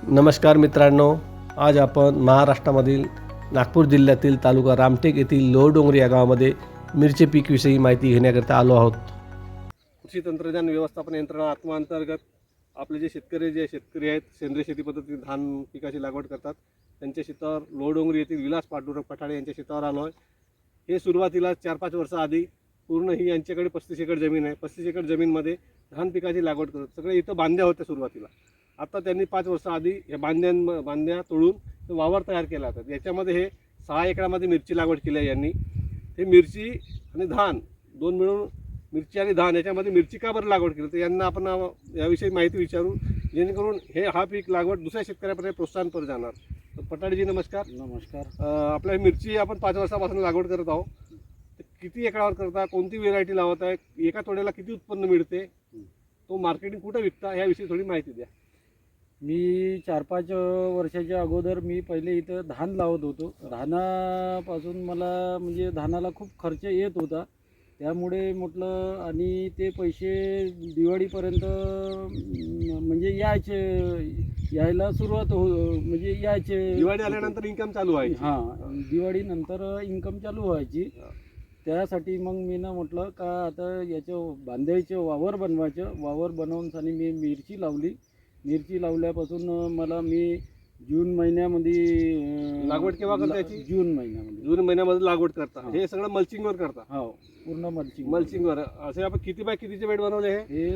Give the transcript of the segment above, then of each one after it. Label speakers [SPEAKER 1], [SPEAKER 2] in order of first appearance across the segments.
[SPEAKER 1] नमस्कार मित्रांनो, आज आपण महाराष्ट्रामधील नागपूर जिल्ह्यातील तालुका रामटेक येथील लोहडोंगरी या गावामध्ये मिरची पीकविषयी माहिती घेण्याकरिता आलो आहोत। कृषी तंत्रज्ञान व्यवस्थापन यंत्रणा आत्माअंतर्गत आपले जे शेतकरी आहेत सेंद्रिय शेती पद्धतीने धान पिकाची लागवड करतात, त्यांच्या शेतावर लोहडोंगरी येथील विलास पांडुरंग पठाडे यांच्या शेतावर आलो आहे। हे सुरुवातीला 4-5 वर्षाआधी पूर्ण ही यांच्याकडे 35 एकर जमीन आहे। 35 एकर जमीनमध्ये धान पिकाची लागवड करत सगळे इथं बांध्या होत्या सुरुवातीला। आता त्यांनी 5 वर्षाआधी हे बांध्या तोडून वावर तयार केला होता। याच्यामध्ये हे 6 एकरामध्ये मिरची लागवड केली आहे यांनी। हे मिरची आणि धान दोन मिळून मिरची आणि धान याच्यामध्ये मिरची का बरं लागवड केली तर यांना आपण याविषयी माहिती विचारू, जेणेकरून हा पीक लागवड दुसऱ्या शेतकऱ्यापर्यंत प्रोत्साहनपर जाणार। तर पठाडेजी नमस्कार।
[SPEAKER 2] नमस्कार।
[SPEAKER 1] आपल्या मिरची आपण 5 वर्षापासून लागवड करत आहोत। किती एकरावर करता, कोणती व्हेरायटी लावत आहे, एका तोड्याला किती उत्पन्न मिळते, तो मार्केटिंग कुठे विकता, याविषयी थोडी माहिती द्या।
[SPEAKER 2] मी 4-5 वर्षाच्या अगोदर मी पहिले इथं धान लावत होतो। धानापासून मला म्हणजे धानाला खूप खर्च येत होता, त्यामुळे म्हटलं आणि ते पैसे दिवाळीपर्यंत म्हणजे यायला सुरुवात म्हणजे यायचे।
[SPEAKER 1] दिवाळी आल्यानंतर इन्कम चालू व्हायची।
[SPEAKER 2] हां, दिवाळीनंतर इन्कम चालू व्हायची। त्यासाठी मग मी म्हटलं का आता याचं बांधायचं वावर बनवायचं। वावर बनवूनसाठी मी मिरची लावली। मिरची लावल्यापासून मी जून महिन्यामध्ये
[SPEAKER 1] लागवड केव्हा करता याची?
[SPEAKER 2] जून
[SPEAKER 1] महिन्यामध्ये लागवड करता। हे सगळं मल्चिंगवर करता?
[SPEAKER 2] हो, पूर्ण
[SPEAKER 1] मल्चिंगवर। असे आपण किती बाय कितीचे बेड बनवले?
[SPEAKER 2] हे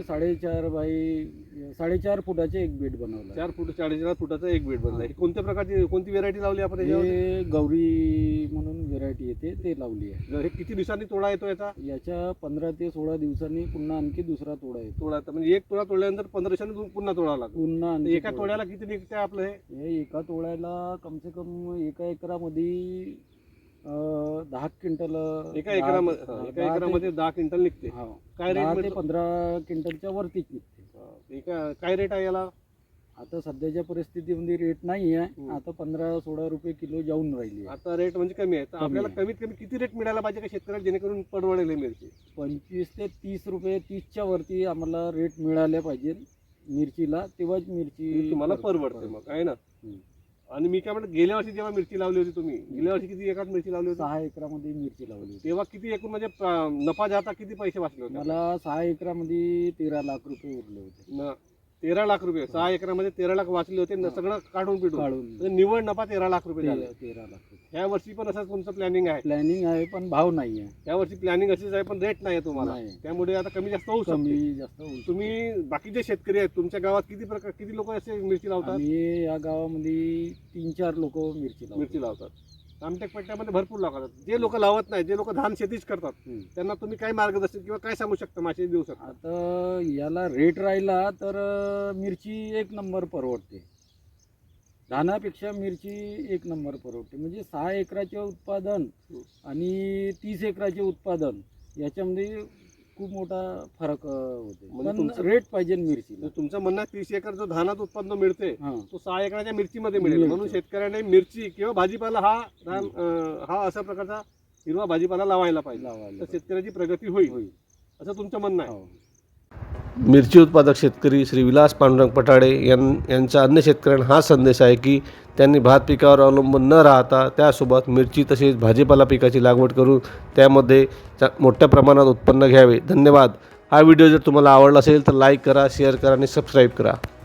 [SPEAKER 2] 4.5 फुटाचे एक बेड बनवलं।
[SPEAKER 1] 4 फूट 4.5 फुटाचा एक बेड बनला। कोणत्या प्रकारची कोणती व्हेरायटी लावली आपण?
[SPEAKER 2] हे गौरी म्हणून व्हेरायटी येते ते लावली आहे।
[SPEAKER 1] हे किती दिवसांनी तोडा येतो
[SPEAKER 2] याच्या 15 ते 16 दिवसांनी पुन्हा आणखी दुसरा तोडा येतो।
[SPEAKER 1] तोडा म्हणजे एक तोडा तोडल्यानंतर 15 दिवसांनी पुन्हा तोडा लागतो।
[SPEAKER 2] पुन्हा
[SPEAKER 1] एका तोड्याला किती निघते आपलं?
[SPEAKER 2] हे एका तोड्याला कम से कम एका एकरामध्ये 10 क्विंटल।
[SPEAKER 1] एका एकरामध्ये 10 क्विंटल निघते।
[SPEAKER 2] काय रेट? 10 ते 15 क्विंटलच्या वरतीच निघते।
[SPEAKER 1] काय रेट आहे याला?
[SPEAKER 2] आता सध्याच्या परिस्थितीमध्ये रेट नाही आहे। आता 15-16 रुपये किलो जाऊन राहिली।
[SPEAKER 1] आता रेट म्हणजे कमी आहे। तर आपल्याला कमीत कमी किती रेट मिळायला पाहिजे का शेतकऱ्याला, जेणेकरून परवडेल मिरची?
[SPEAKER 2] 25 ते 30 रुपये, 30च्या वरती आम्हाला रेट मिळाले पाहिजे मिरचीला, तेव्हाच मिरची
[SPEAKER 1] तुम्हाला परवडते मग, आहे ना? आणि मी काय म्हणतो, गेल्या वर्षी जेव्हा मिरची लावली होती तुम्ही, गेल्या वर्षी किती एकरात मिरची लावली होती?
[SPEAKER 2] 6 एकरामध्ये मिरची लावली होती।
[SPEAKER 1] तेव्हा किती एकूण म्हणजे नफा जाता किती पैसे वाचले होते?
[SPEAKER 2] मला 6 एकरामध्ये 13 लाख रुपये उरले होते।
[SPEAKER 1] 13 लाख रुपये 6 एकरामध्ये 13 लाख वाचले होते, सगळं काढून पिढून निव्वळ नफा 13 लाख रुपये झाले।
[SPEAKER 2] 13 लाख रुपये।
[SPEAKER 1] ह्या वर्षी पण असंच तुमचं प्लॅनिंग आहे?
[SPEAKER 2] प्लॅनिंग आहे, पण भाव नाही आहे।
[SPEAKER 1] या वर्षी प्लॅनिंग अशीच आहे, पण रेट नाही आहे तुम्हाला, त्यामुळे आता कमी जास्त होऊ शकते। तुम्ही बाकीचे शेतकरी आहेत तुमच्या गावात किती लोक असे मिरची लावतात?
[SPEAKER 2] मी या गावामध्ये 3-4 लोक मिरची लावतात।
[SPEAKER 1] रामटेक पट्ट्यामध्ये भरपूर लावतात। जे लोक लावत नाही, जे लोक धान शेतीच करतात, त्यांना तुम्ही काय मार्गदर्शन किंवा काय सांगू शकता, माहिती देऊ शकता?
[SPEAKER 2] आता याला रेट राहिला तर मिरची 1 नंबर परवडते। धानापेक्षा मिरची 1 नंबर परवडते। म्हणजे 6 एकराचे उत्पादन आणि 30 एकराचे उत्पादन याच्यामध्ये खूप मोठा फरक होते। पण रेट पाहिजे मिरची।
[SPEAKER 1] तुमचं म्हणणं 30 एकर जो धानात उत्पन्न मिळते तो 6 एकराच्या मिरचीमध्ये मिळेल, म्हणून शेतकऱ्याने मिरची किंवा भाजीपाला हा अशा प्रकारचा हिरवा भाजीपाला लावायला पाहिजे, तर शेतकऱ्याची प्रगती होईल, असं तुमचं म्हणणं आहे। मिरची उत्पादक शेतकरी श्री विलास पांडुरंग पठाडे यांचा अन्य शेतकऱ्यांना हा संदेश आहे की त्यांनी भात पिकावर अवलंबून न राहता त्यासोबत मिरची तसेच भाजीपाला पिकाची लागवड करून त्यामध्ये मोठ्या प्रमाणात उत्पन्न घ्यावे। धन्यवाद। हा व्हिडिओ जर तुम्हाला आवडला असेल तर लाईक करा, शेअर करा आणि सबस्क्राईब करा।